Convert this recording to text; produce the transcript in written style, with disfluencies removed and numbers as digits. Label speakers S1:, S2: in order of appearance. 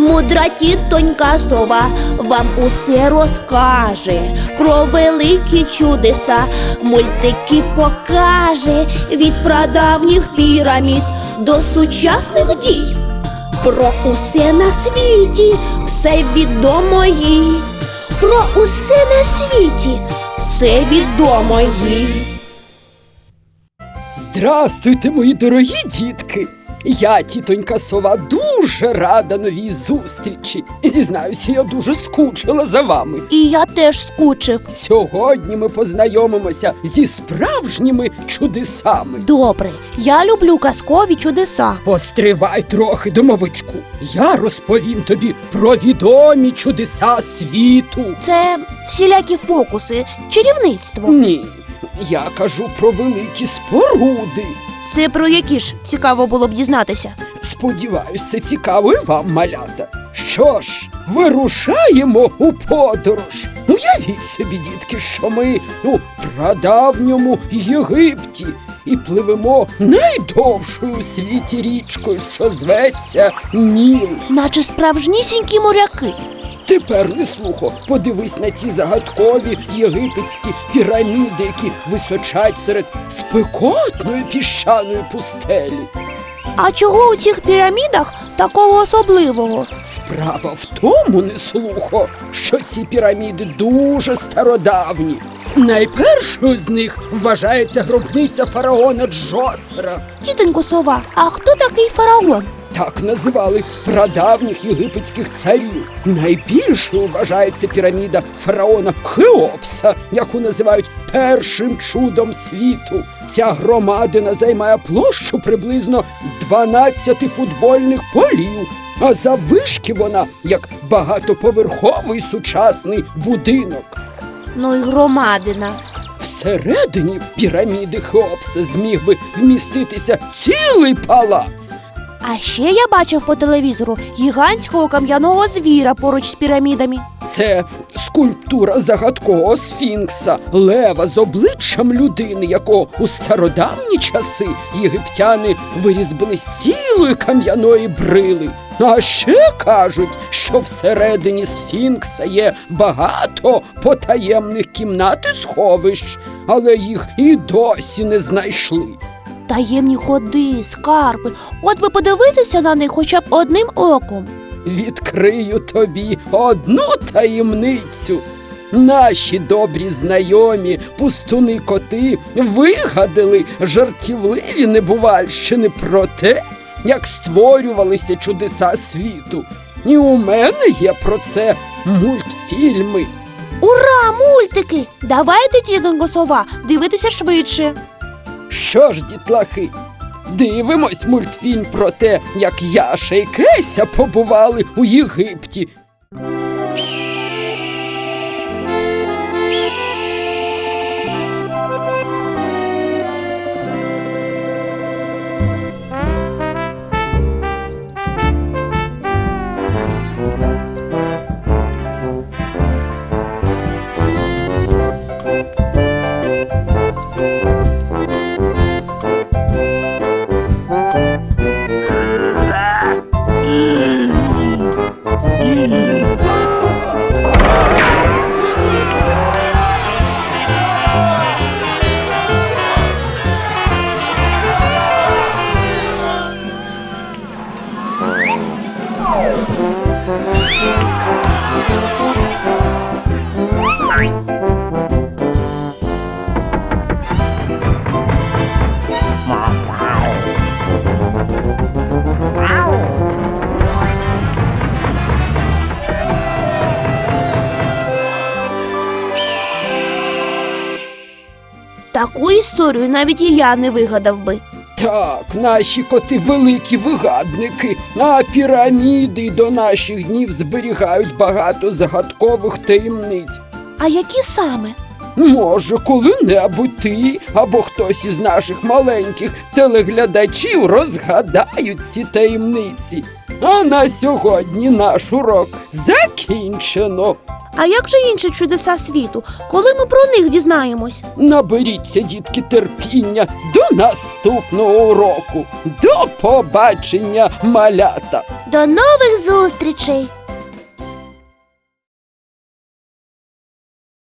S1: Мудра тітонька сова вам усе розкаже, про великі чудеса мультики покаже, від прадавніх пірамід до сучасних дій. Про усе на світі все відомо їй. Про усе на світі все відомо їй.
S2: Здрастуйте, мої дорогі дітки! Я, тітонька сова, дуже рада новій зустрічі. Зізнаюся, я дуже скучила за вами.
S1: І я теж скучив.
S2: Сьогодні ми познайомимося зі справжніми чудесами.
S1: Добре, я люблю казкові чудеса.
S2: Постривай трохи, домовичку. Я розповім тобі про відомі чудеса світу.
S1: Це всілякі фокуси, чарівництво.
S2: Ні, я кажу про великі споруди.
S1: Це про які ж цікаво було б дізнатися?
S2: Сподіваюсь, це цікаво і вам, малята. Що ж, вирушаємо у подорож. Уявіть собі, дітки, що ми у прадавньому Єгипті і пливемо найдовшою у світі річкою, що зветься Ніл.
S1: Наче справжнісінькі моряки.
S2: Тепер не слухо, подивись на ті загадкові єгипетські піраміди, які височать серед спекотної піщаної пустелі.
S1: А чого у цих пірамідах такого особливого?
S2: Справа в тому, не слухо, що ці піраміди дуже стародавні. Найпершою з них вважається гробниця фараона Джосера.
S1: Тітонько сова, а хто такий фараон?
S2: Так називали прадавніх єгипетських царів. Найбільшою вважається піраміда фараона Хеопса, яку називають першим чудом світу. Ця громадина займає площу приблизно 12 футбольних полів, а заввишки вона як багатоповерховий сучасний будинок.
S1: Ну і громадина.
S2: Всередині піраміди Хеопса зміг би вміститися цілий палац.
S1: А ще я бачив по телевізору гігантського кам'яного звіра поруч з пірамідами.
S2: Це скульптура загадкового сфінкса, лева з обличчям людини, якого у стародавні часи єгиптяни вирізбили з цілої кам'яної брили. А ще кажуть, що всередині сфінкса є багато потаємних кімнат і сховищ, але їх і досі не знайшли.
S1: Таємні ходи, скарби. От би подивитися на них хоча б одним оком.
S2: Відкрию тобі одну таємницю. Наші добрі знайомі пустуни-коти вигадали жартівливі небувальщини про те, як створювалися чудеса світу. І у мене є про це мультфільми.
S1: Ура, мультики! Давайте, тітонько сова, дивитися швидше.
S2: Що ж, дітлахи, дивимось мультфільм про те, як Яша і Кеся побували у Єгипті.
S1: Таку історію навіть і я не вигадав би.
S2: Так, наші коти великі вигадники, а піраміди й до наших днів зберігають багато загадкових таємниць.
S1: А які саме?
S2: Може, коли-небудь ти або хтось із наших маленьких телеглядачів розгадають ці таємниці. А на сьогодні наш урок закінчено.
S1: А як же інші чудеса світу? Коли ми про них дізнаємось?
S2: Наберіться, дітки, терпіння до наступного уроку. До побачення, малята!
S1: До нових зустрічей!